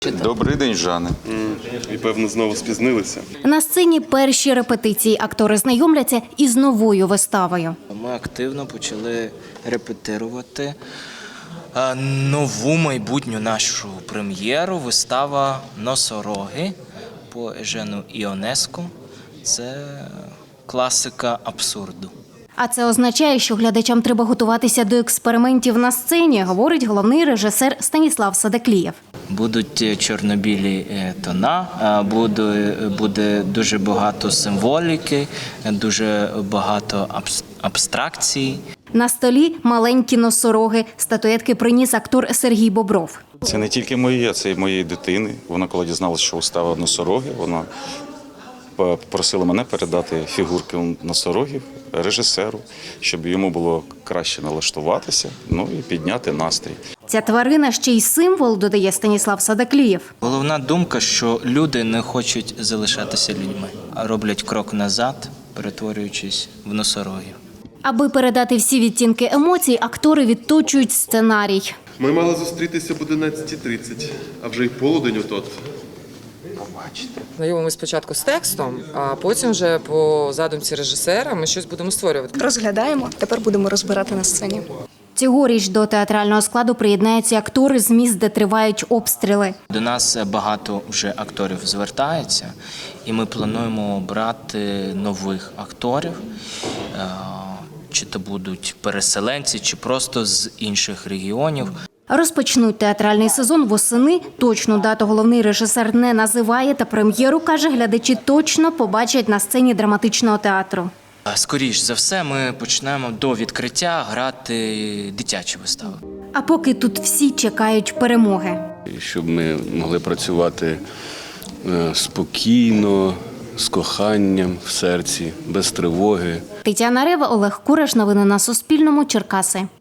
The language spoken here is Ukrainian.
Добрий день, Жане. І, певно, знову спізнилися. На сцені перші репетиції. Актори знайомляться із новою виставою. Ми активно почали репетирувати нову майбутню нашу прем'єру. Вистава «Носороги» по Ежену Іонеску. Це класика абсурду. А це означає, що глядачам треба готуватися до експериментів на сцені, говорить головний режисер Станіслав Садаклієв. Будуть чорно-білі тона, буде дуже багато символіки, дуже багато абстракцій. На столі маленькі носороги. Статуетки приніс актор Сергій Бобров. Це не тільки моє, це і моєї дитини. Вона, коли дізналася, що вистава «Носороги», вона попросила мене передати фігурки носорогів режисеру, щоб йому було краще налаштуватися, і підняти настрій. Ця тварина ще й символ, додає Станіслав Садаклієв. Головна думка, що люди не хочуть залишатися людьми, а роблять крок назад, перетворюючись в носорогів. Аби передати всі відтінки емоцій, актори відточують сценарій. Ми мали зустрітися об 11:30, а вже й полудень отот. Знайомимося спочатку з текстом, а потім вже по задумці режисера ми щось будемо створювати. Розглядаємо, тепер будемо розбирати на сцені. Цьогоріч до театрального складу приєднаються актори з міст, де тривають обстріли. До нас багато вже акторів звертається, і ми плануємо брати нових акторів, чи то будуть переселенці, чи просто з інших регіонів. Розпочнуть театральний сезон восени. Точну дату головний режисер не називає, та прем'єру, каже, глядачі точно побачать на сцені драматичного театру. Скоріш за все, ми почнемо до відкриття грати дитячі вистави. А поки тут всі чекають перемоги. Щоб ми могли працювати спокійно, з коханням в серці, без тривоги. Тетяна Рева, Олег Кураш. Новини на Суспільному. Черкаси.